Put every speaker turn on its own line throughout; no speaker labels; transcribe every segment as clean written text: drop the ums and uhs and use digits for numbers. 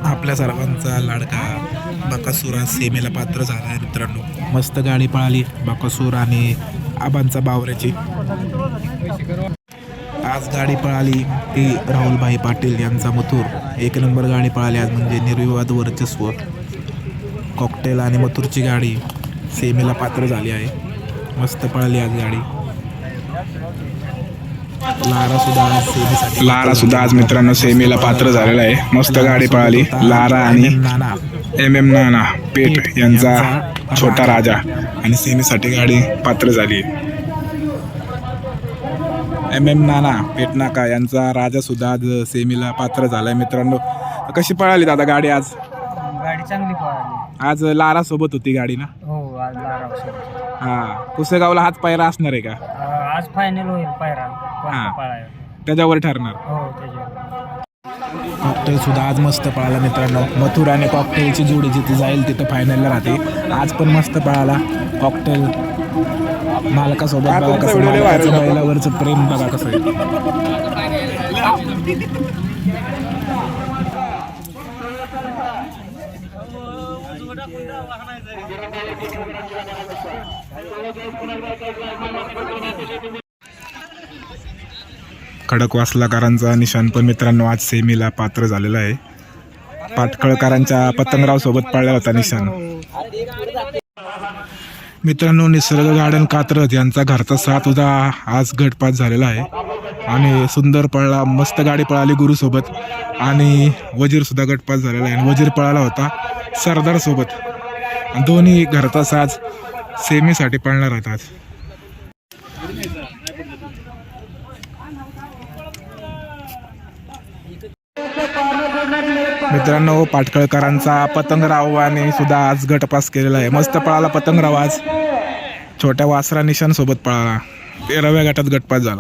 आपल्या सर्वांचा लाडका बकासूर आज सेमीला पात्र झाला आहे मित्रांनो. मस्त गाडी पळाली बकासूर आणि आबांचा बावऱ्याची. आज गाडी पळाली ती राहुलभाई पाटील यांचा मथुर. एक नंबर गाडी पळाली आज, म्हणजे निर्विवाद वर्चस्व. कॉकटेल आणि मथुरची गाडी सेमीला पात्र झाली आहे. मस्त पळाली आज गाडी. लारा सुद्धा आज मित्रांनो सेमीला पात्र झालेला आहे. मस्त गाडी पळाली. लारा आणि MM नाना पेठ यांचा छोटा राजा आणि सेमीसाठी गाडी पात्र झाली. MM नाना पेठ नाका यांचा राजा सुद्धा आज सेमीला पात्र झालाय मित्रांनो. कशी पळाली दादा गाडी आज?
गाडी चांगली पळाली
आज लारा सोबत होती गाडी ना?
हो, आज लारा सोबत.
हा, पुसेगावला हाच पायरा असणार आहे का?
आज फायनल होईल पायरा
हा.
पळायला.
त्याच्यावर ठरणार.
हो, त्याच्यावर.
कॉकटेल सुद्धा आज मस्त पळाला मित्रांनो. मथुर आणि कॉकटेलची जोडी जिथे जाईल तिथं फायनलला राहते. आज पण मस्त पळाला कॉकटेल. मालकासोबत बघा कसं, मालकाचं बैलावरचं प्रेम बघा कसं आहे. खडकवासलाकरांचा निशाण पण मित्रांनो आज सेमीला पात्र झालेला आहे. पाटकळकरांच्या पतंगराव सोबत पळला होता निशाण. मित्रांनो निसर्ग गार्डन कात्रज यांचा घरचा साथ सुद्धा आज गटपात झालेला आहे आणि सुंदर पळला. मस्त गाडी पळाली गुरुसोबत आणि वजीर सुद्धा गटपात झालेला आहे. आणि वजीर पळाला होता सरदार सोबत. दोन्ही घरचा साज सेमीसाठी पळणार आहेत आज. मित्रांनो पाटकळकरांचा पतंगराव आणि सुद्धा आज गटपास केलेला आहे. मस्त पळाला पतंगराव आज. छोट्या वासरा निशाण सोबत पळाला. 13व्या गटात गटपास झाला.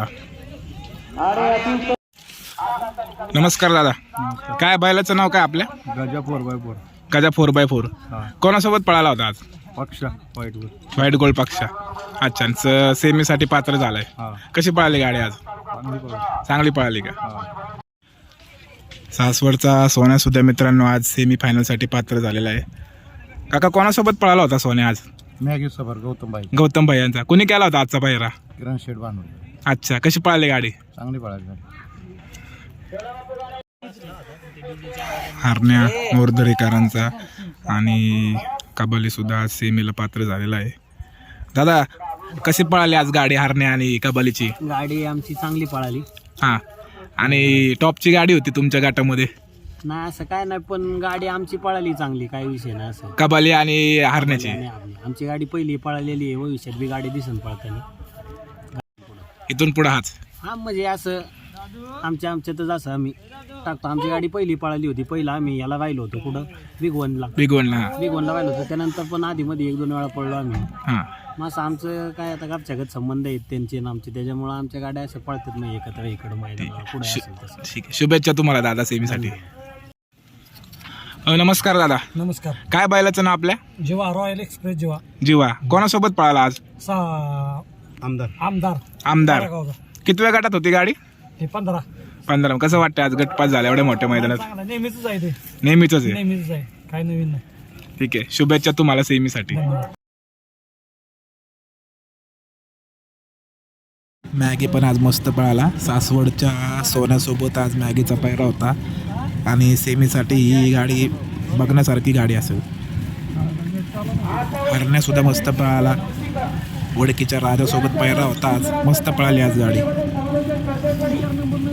नमस्कार दादा. काय बैलाचं नाव काय आपल्या?
गजा 4x4.
गजा 4x4. कोणासोबत पळाला होता आज?
पक्ष
व्हाईट गोल्ड पक्षा. अच्छा, सेमीसाठी पात्र झालाय. कशी पळाली गाडी आज? चांगली पळाली का? सासवडचा सोन्या सुद्धा मित्रांनो आज सेमी फायनलसाठी पात्र झालेला आहे. काका कोणासोबत पळाला होता सोन्या आज?
मॅगी सफर
गौतम भाई यांचा. कुणी केला होता आजचा पायरा?
किरण शेठ बांधून.
अच्छा, कशी पळाली गाडी?
चांगली पळाली.
हरण्या मोरदरेकरांचा आणि कबाली सुद्धा आज सेमीला पात्र झालेला आहे. दादा कशी पळाली आज गाडी हरण्या आणि कबालीची?
गाडी आमची चांगली पळाली.
हा, आणि टॉपची गाडी होती तुमच्या गटामध्ये?
नाही असं काय नाही, पण गाडी आमची पळाली चांगली, काही विषय नाही. असं
कबाली आणि हरण्याची
आमची गाडी पहिली पळालेली आहे. भविष्यात बी गाडी दिसून पळताना
इथून पुढे हाच.
हा, म्हणजे असं आमच्यातच असं आम्ही टाकतो. आमची गाडी पहिली पळाली होती. पहिला आम्ही याला राहिलो होतो कुठं, बिग वनला राहिलो होतो. त्यानंतर पण आधी मध्ये 1-2 वेळा पळलो आम्ही. मग असं आमचं काय आता घरच्यागत संबंध आहेत त्यांचे आणि आमचे, त्याच्यामुळे आमच्या गाड्या असं पळतात नाही एकत्र इकडं मैदानावर पुढे असेल तसं.
ठीक आहे, शुभेच्छा तुम्हाला दादा सेमीसाठी. नमस्कार दादा.
नमस्कार.
काय बैलाचं नाव आपल्या?
जीवा, रॉयल एक्सप्रेस जीवा.
जीवा कोणासोबत पळाला आज? आमदार. कितव्या गटात होती गाडी? 15. कसं वाटतं आज गटपास झाला एवढ्या मोठ्या मैदानात?
नेहमीच आहे ते.
नेहमीच आहे.
नेहमीच आहे, काय नवीन नाही.
ठीक आहे, शुभेच्छा तुम्हाला सेमीसाठी. मॅगी पण आज मस्त पळाला. सासवडच्या सोन्यासोबत आज मॅगीचा पायरा होता आणि सेमीसाठी ही गाडी बघण्यासारखी गाडी असेल. हरण्यासुद्धा मस्त पळाला. वडकीच्या राजासोबत पायरा होता आज. मस्त पळाली आज गाडी.